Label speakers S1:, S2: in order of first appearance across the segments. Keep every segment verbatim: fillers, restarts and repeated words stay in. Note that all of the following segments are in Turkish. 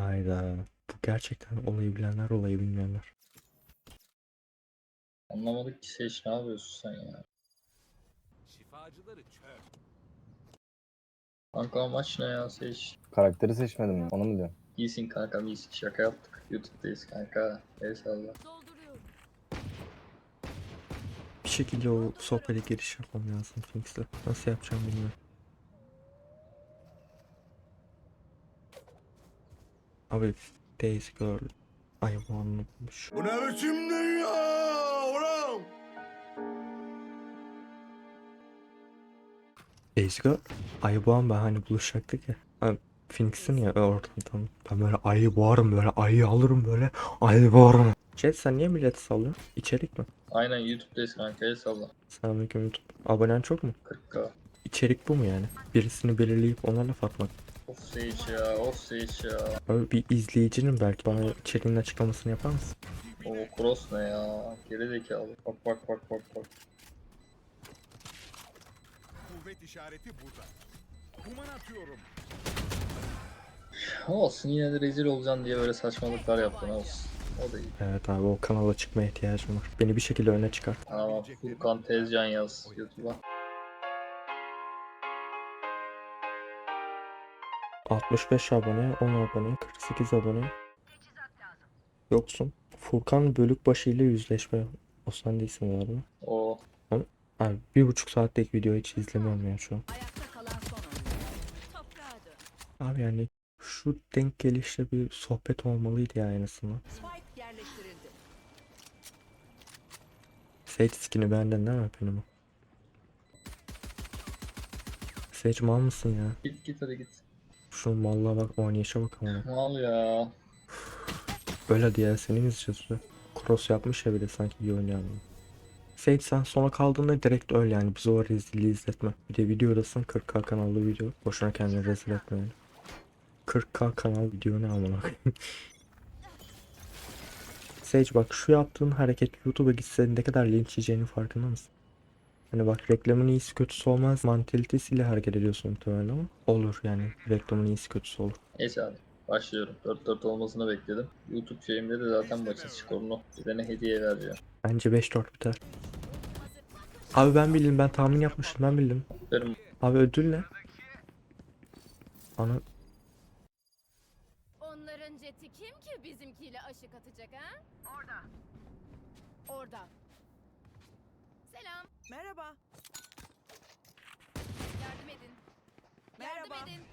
S1: Hayda. Bu gerçekten olayı bilenler olayı bilmeyenler.
S2: Anlamadık ki Seç, ne yapıyorsun sen ya?
S3: Şifacıları çöp.
S2: Kanka amaç ne ya Seç?
S4: Karakteri seçmedim mi? Onu mu diyorsun?
S2: İyisin kanka, iyisin, şaka yaptık. YouTube'dayız kanka. Eyvallah.
S5: Dolduruyorum.
S1: Bir şekilde o sohbete giriş yapmam lazım Finks'le. Nasıl yapacağım bilmiyorum. Abi Days Girl ay bu anlatmış.
S3: Bu ne biçim dünya oğlum?
S1: Days Girl ay bu an ben hani buluşacaktık ya. Abi, Phoenix'in ya ortadan. Ben böyle ayı boğarım, böyle ayı alırım, böyle ayı boğarım. Jet sen niye milleti sallıyorsun? İçerik mi?
S2: Aynen YouTube'dayız kanka, eyvallah.
S1: Selamünaleyküm YouTube. Abonen çok mu?
S2: kırk k.
S1: İçerik bu mu yani? Birisini belirleyip ona laf atmak.
S2: Of Seç ya, of Seç ya.
S1: Abi bir izleyicinin belki bana içeriğinin açıklamasını yapar mısın?
S2: O cross ne ya? Geri zekalı. Bak bak bak bak bak.
S3: Kuvvet işareti burada. Kuman atıyorum.
S2: Olsun, yine de rezil olacaksın diye böyle saçmalıklar yaptın, olsun. O da iyi.
S1: Evet abi o kanala çıkmaya ihtiyacım var. Beni bir şekilde öne çıkart.
S2: Tamam, Furkan Tezcan yaz YouTube'a.
S1: altmış beş abone, on abone, kırk sekiz abone. Yoksun. Furkan Bölükbaşı ile yüzleşme. O sen değilsin galiba.
S2: O
S1: Abi bir buçuk saatlik video hiç izlemiyorum ya şu an.
S5: Ayakta kalan son oyuncu. Toprağa dön.
S1: Abi yani şu denk gelişte bir sohbet olmalıydı ya en azından.
S5: Spike yerleştirildi.
S1: Sage skin'i benden değil mi benim o? Sage mal mısın ya?
S2: git git hadi git.
S1: Şu mallığa bak, oynayışa bak ama.
S2: Mal ya.
S1: Öyle diye seni mi izleyeceğiz? Cross yapmış ya bir de sanki iyi oynayan. Sage sen sona kaldığında direkt öl yani, bizi o rezilliği izletme. Bir de videodasın, kırk k kanallı video. Boşuna kendini rezil etme yani. kırk k kanal video ne amına koyayım. Sage bak şu yaptığın hareket YouTube'a gitse ne kadar linç yiyeceğinin farkında mısın? Hani bak reklamın iyisi kötüsü olmaz mantalitesiyle hareket ediyorsun muhtemelen ama olur yani, reklamın iyisi kötüsü olur.
S2: Neyse hadi. Başlıyorum. dört dört olmasını bekledim. YouTube şeyimde de zaten maçın skorunu bir tane hediye vereceğim.
S1: Bence beş dört biter. Abi ben bildim, ben tahmin yapmıştım, ben bildim.
S2: Benim
S1: Abi ödül ne? Ana
S5: Onların jeti kim ki bizimkiyle aşık atacak ha? Orada. Orada. Selam.
S6: Merhaba.
S5: Yardım edin. Yardım
S6: Merhaba.
S5: edin.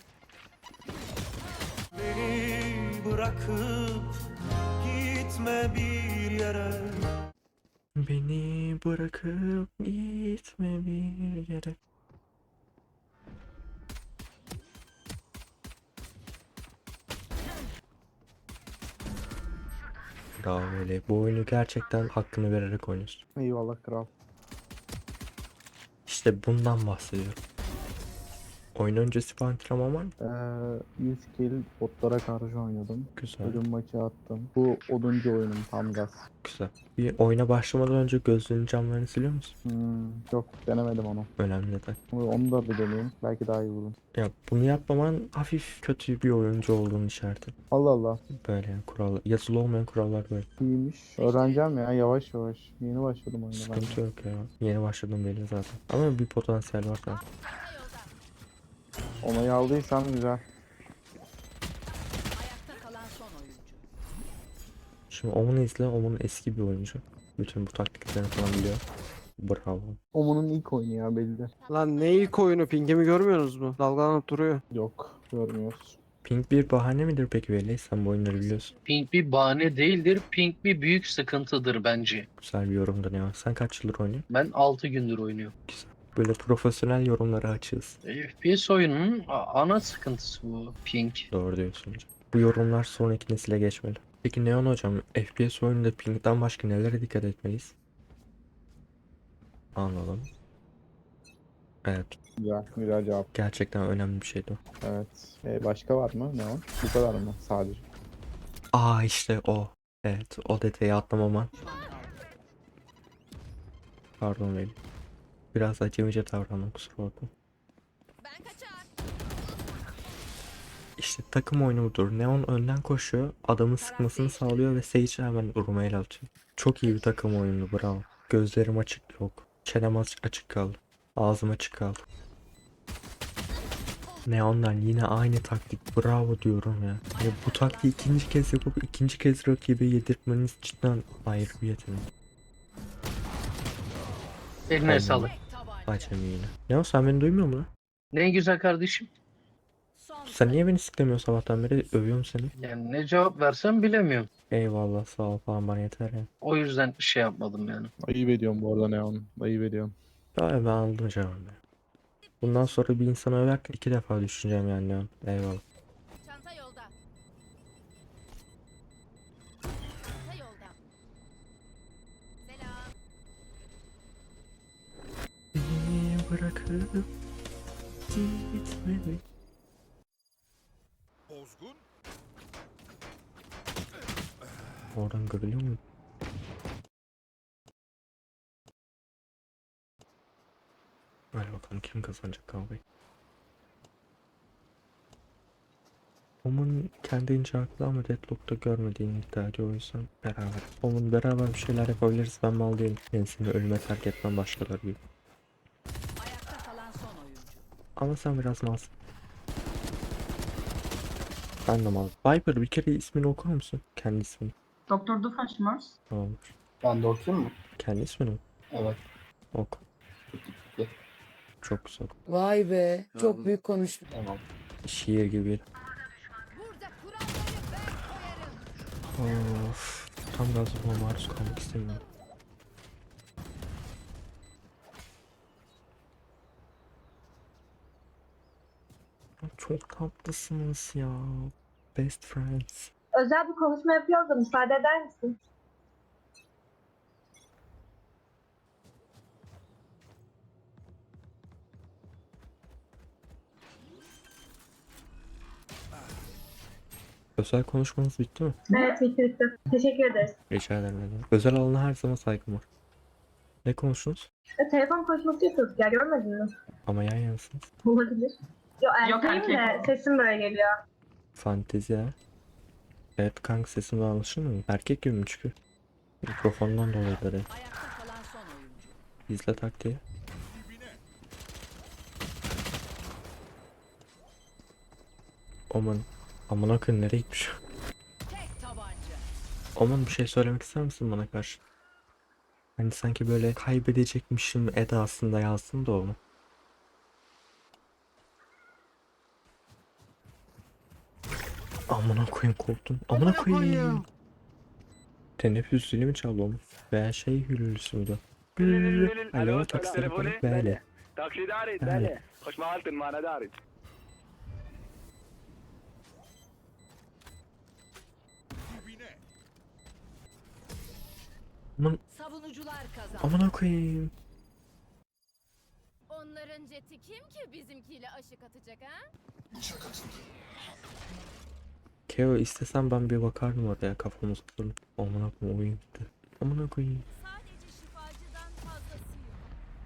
S7: Beni bırakıp gitme bir yere.
S1: beni bırakıp gitme bir yere. Bravo öyle. Bu oyunu gerçekten hakkını vererek oynuyorsun.
S4: Eyvallah kral.
S1: İşte bundan bahsediyorum. Oyun öncesi bir antrenman var mı?
S4: Ee, yüz kill botlara karşı oynadım.
S1: Güzel,
S4: Ölüm maçı attım. Bu oduncu oyunum tam gaz.
S1: güzel. Bir oyuna başlamadan önce gözlüğünün camlarını siliyor musun?
S4: Hmm, yok denemedim onu.
S1: Önemli detay.
S4: Onu da bir deneyeyim. Belki daha iyi vururum.
S1: Ya bunu yapmaman hafif kötü bir oyuncu olduğunu işareti.
S4: Allah Allah.
S1: Böyle yani kurallar. Yazılı olmayan kurallar böyle.
S4: İyiymiş. Öğreneceğim ya yavaş yavaş. Yeni başladım oyuna ben.
S1: Sıkıntı yok ya. Yeni başladım belli zaten. Ama bir potansiyel var tabii.
S4: Onayı aldıysam güzel.
S5: Ayakta kalan son oyuncu.
S1: Şimdi Omen'ı izle. Omen eski bir oyuncu. Bütün bu taktiklerini falan biliyor. Bravo.
S4: Omun'un ilk oyunu ya belli.
S6: Lan ne ilk oyunu, pingimi görmüyorsunuz mu? Dalgalanıp duruyor.
S4: Yok görmüyoruz.
S1: Pink bir bahane midir peki Veli? Sen bu oyunları biliyorsun.
S8: Pink bir bahane değildir. Pink bir büyük sıkıntıdır bence.
S1: Güzel bir yorumdur ya. Sen kaç yıldır oynuyorsun?
S8: Ben altı gündür oynuyorum.
S1: Güzel. Böyle profesyonel yorumları açığız.
S8: F P S oyununun a- ana sıkıntısı bu Pink.
S1: Doğru diyorsun hocam. Bu yorumlar sonraki nesile geçmeli. Peki Neon hocam, F P S oyununda pingden başka nelere dikkat etmeliyiz? Anladım. Evet.
S4: Güzel. Güzel cevap.
S1: Gerçekten önemli bir şeydi o.
S4: Evet. Ee, başka var mı? Ne o? Bu kadar mı? Sadece.
S1: Aa işte o. Evet, o detayı atlamaman. Pardon Veli. Biraz acemice davrandım, kusura bakma.
S5: Ben kaçar.
S1: İşte takım oyunu budur. Neon önden koşuyor, adamın sıkmasını sağlıyor ve Sage hemen vurmaya el atıyor. Çok iyi bir takım oyunu, bravo. Gözlerim açık yok. Çenem açık, açık kaldı. Ağzım açık kaldı. Neon'dan yine aynı taktik, bravo diyorum ya. Yani bu taktiği ikinci kez yapıp ikinci kez rakibe yedirtmeniz cidden ayrı bir yetenek.
S8: Eline
S1: Aynen.
S8: sağlık.
S5: Tek tabanca.
S1: Acemi yine. Neon sen beni duymuyor musun lan?
S8: Ne güzel kardeşim.
S5: Son
S1: Sen niye beni siklemiyorsun sabahtan beri? Övüyorum seni.
S8: Yani ne cevap versem bilemiyorum.
S1: Eyvallah, sağ ol falan, bana yeter ya.
S8: O yüzden şey yapmadım yani.
S4: Ayıp ediyorum bu arada Neon. Ayıp ediyorum.
S1: Ya ben aldım cevabı. Bundan sonra bir insana överken iki defa düşüneceğim yani Neon. Eyvallah.
S5: çanta yolda. Çanta yolda. Selam.
S1: Beni bırakıp gitmedi.
S3: Bozgun.
S1: Oradan görülüyor mu? Hadi bakalım kim kazanacak kavgayı. Omun kendince haklı ama Deadlock'ta görmediğini iddia ediyor, o yüzden beraber. Omun beraber bir şeyler yapabiliriz, ben mal değilim. Ben seni ölüme terk etmem başkaları gibi.
S5: Ayakta kalan son oyuncu.
S1: Ama sen biraz malsın. Ben de mal. Viper, bir kere ismini okur musun? Kendi ismini.
S9: Doktor Doofenshmirtz.
S1: Tamamdır.
S10: Ben de okuyayım mı?
S1: Kendi ismini mi?
S10: Evet.
S1: Oku. Çok güzel.
S9: Vay be, çok büyük konuştun.
S10: Tamam.
S1: Şiir gibi.
S5: Burada kuralları ben koyarım.
S1: Of. Tam gaz buna maruz kalmak istemiyorum. Çok tatlısınız ya. Best friends.
S9: Özel bir konuşma yapıyoruz da müsaade eder misin?
S1: Özel konuşmanız bitti mi?
S9: Evet, bitti bitti. Teşekkür ederiz.
S1: Rica ederim. Neden? Özel alana her zaman saygım var. Ne konuştunuz?
S9: E, telefon konuşması yapıyorduk ya, görmedin mi?
S1: Ama yan yanasınız.
S9: Olabilir. Yo,
S5: Yok,
S9: erkeğim de sesim böyle geliyor.
S1: Fantezi ya. Evet kanka, sesim daha anlaşılmıyor mu? Erkek gibi mi çıkıyor? Mikrofondan dolayıdır ya.
S5: Ayakta kalan son oyuncu.
S1: İzle taktiği. Aman. Amına koyayım, nereye gitmiş?
S5: Tek tabanca.
S1: Aman, bir şey söylemek ister misin bana karşı? Hani sanki böyle kaybedecekmişim edasında yazsın da onu. Amına koyayım, korktum. Amına koyayım. Teneffüs zili mi çaldı oğlum? Veya şey hülülüsü müydü? Hülülü. Alo, taksi telefonu. Böyle.
S7: تاكسي داري
S1: Böyle.
S7: خش مهالتن معنا داري.
S3: Dibine.
S1: Aman,
S5: Savunucular kazandı.
S1: amına koyayım.
S5: Onların jeti kim ki bizimkiyle aşık atacak ha?
S1: Keo, istesem ben bir bakardım oraya, kafamı tuturum. Amına koyayım, oyun gitti. Amına koyayım.
S5: Sadece şifacıdan fazlası yok.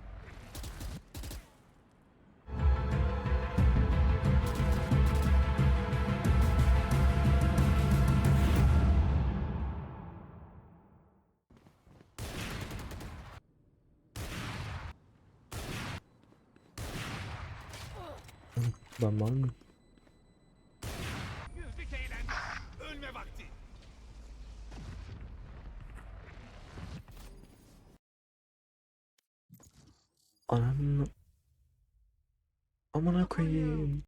S1: Ben var mı?
S3: Güldük eğlendik. Ölme vakti.
S1: Ananı... Amına koyayım.